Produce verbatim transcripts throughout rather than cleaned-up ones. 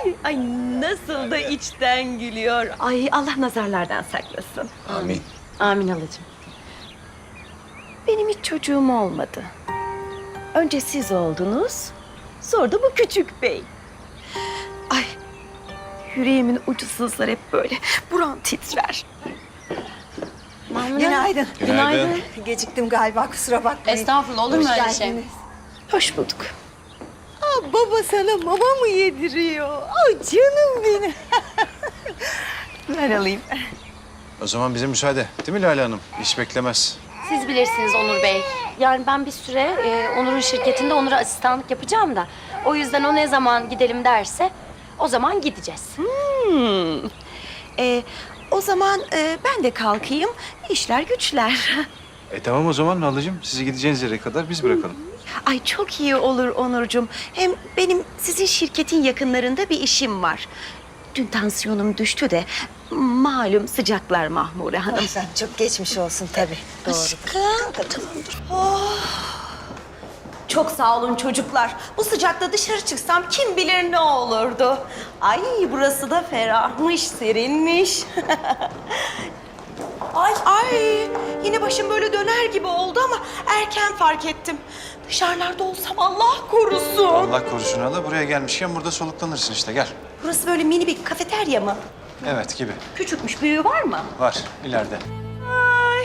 Ay nasıl da içten gülüyor. Ay Allah nazarlardan saklasın. Amin. Amin halacığım. Benim hiç çocuğum olmadı. Önce siz oldunuz, sonra da bu küçük bey. Ay yüreğimin ucu sızlar hep böyle. Buram titrer. Günaydın. Günaydın. Geciktim galiba, kusura bakmayın. Estağfurullah, olur mu Hoş öyle şey? geldiniz. Hoş bulduk. Aa, baba sana mama mı yediriyor? Aa, canım benim. Ver alayım. O zaman bize müsaade. Değil mi Lale Hanım? İş beklemez. Siz bilirsiniz Onur Bey. Yani ben bir süre e, Onur'un şirketinde Onur'a asistanlık yapacağım da. O yüzden o ne zaman gidelim derse o zaman gideceğiz. Hmm. Ee, o zaman e, ben de kalkayım. İşler güçler. E tamam o zaman Halacığım. Sizi gideceğiniz yere kadar biz bırakalım. Ay çok iyi olur Onurcuğum. Hem benim sizin şirketin yakınlarında bir işim var. Dün tansiyonum düştü de malum sıcaklar Mahmure Hanım. Sen çok geçmiş olsun tabii. Doğru. Aşkım. Tamamdır. Oh. Çok sağ olun çocuklar. Bu sıcakta dışarı çıksam kim bilir ne olurdu. Ay burası da ferahmış, serinmiş. Ay ay yine başım böyle döner gibi oldu ama erken fark ettim. Dışarılarda olsam Allah korusun. Allah korusun hala. Buraya gelmişken burada soluklanırsın işte. Gel. Burası böyle mini bir kafeterya mı? Evet gibi. Küçükmüş, büyüğü var mı? Var ileride. Ay.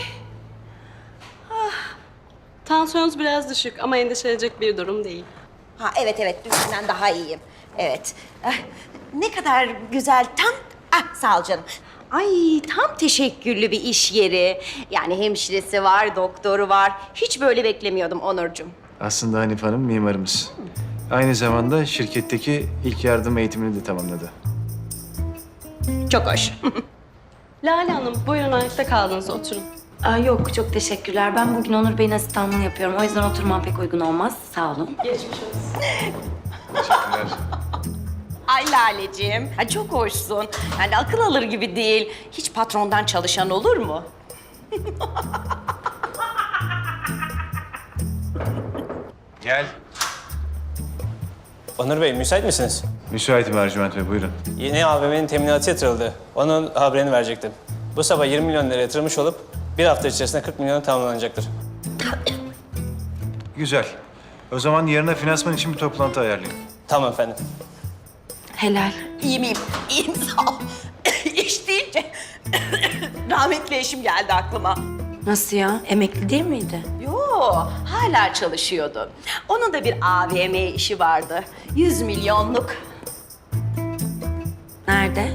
Tansiyonunuz biraz düşük ama endişelenecek bir durum değil. Ha evet evet dünkünden daha iyiyim. Evet. Ah, ne kadar güzel tam. Ah sağ ol canım. Ay tam teşekküllü bir iş yeri. Yani hemşiresi var, doktoru var. Hiç böyle beklemiyordum Onurcuğum. Aslında Hanif Hanım mimarımız. Aynı zamanda şirketteki ilk yardım eğitimini de tamamladı. Çok hoş. Lale Hanım, buyurun ayakta kaldınız, oturun. Aa, yok çok teşekkürler. Ben bugün Onur Bey'in asistanlığını yapıyorum. O yüzden oturmam pek uygun olmaz. Sağ olun. Geçmiş olsun. Teşekkürler. Ay Laleciğim. Ha, çok hoşsun. Yani akıl alır gibi değil. Hiç patrondan çalışan olur mu? Gel. Onur Bey, müsait misiniz? Müsaitim Ercüment Bey, buyurun. Yeni A V M'nin teminatı yatırıldı. Onun haberini verecektim. Bu sabah yirmi milyon lira yatırılmış olup bir hafta içerisinde kırk milyona tamamlanacaktır. Güzel. O zaman yarına finansman için bir toplantı ayarlayın. Tamam efendim. Helal. İyiyim, iyiyim. İyiyim, sağ ol. İş deyince rahmetli eşim geldi aklıma. Nasıl ya? Emekli değil miydi? Yo, hala çalışıyordu. Onun da bir A V M işi vardı. Yüz milyonluk. Nerede?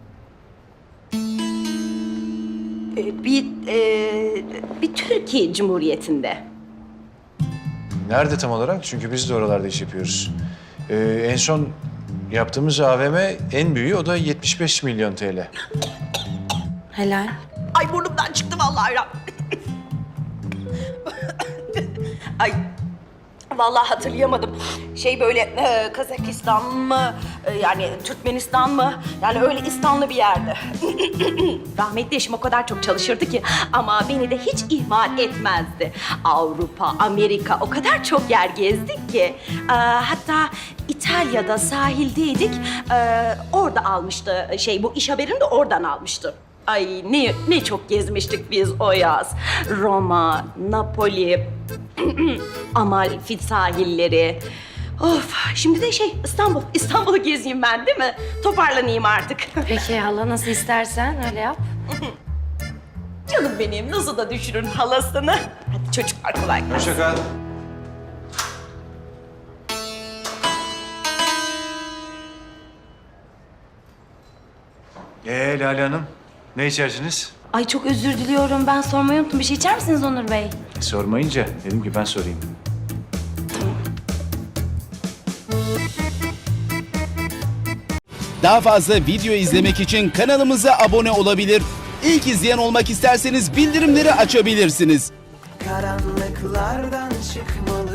Ee, Bir, e, bir Türkiye Cumhuriyeti'nde. Nerede tam olarak? Çünkü biz de oralarda iş yapıyoruz. Ee, en son yaptığımız A V M en büyüğü, o da yetmiş beş milyon T L. Helal. Ay burnumdan çıktı vallahi. ya. Ay vallahi hatırlayamadım. Şey böyle e, Kazakistan mı e, yani Türkmenistan mı yani öyle İstanlı bir yerde. Rahmetli eşim o kadar çok çalışırdı ki ama beni de hiç ihmal etmezdi. Avrupa, Amerika o kadar çok yer gezdik ki. E, hatta İtalya'da sahildeydik. E, orada almıştı şey bu iş haberini de oradan almıştı. Ay ne ne çok gezmiştik biz o yaz. Roma, Napoli, Amalfi sahilleri. Of şimdi de şey İstanbul. İstanbul'u gezeyim ben değil mi? Toparlanayım artık. Peki hala nasıl istersen öyle yap. Canım benim nasıl da düşürün halasını. Hadi çocuklar kolay gelsin. Hoşça kal. Ee Lale Hanım, ne içersiniz? Ay çok özür diliyorum. Ben sormayı unuttum. Bir şey içer misiniz Onur Bey? E, sormayınca dedim ki ben sorayım. Daha fazla video izlemek için kanalımıza abone olabilir. İlk izleyen olmak isterseniz bildirimleri açabilirsiniz. Karanlıklardan çıkmalı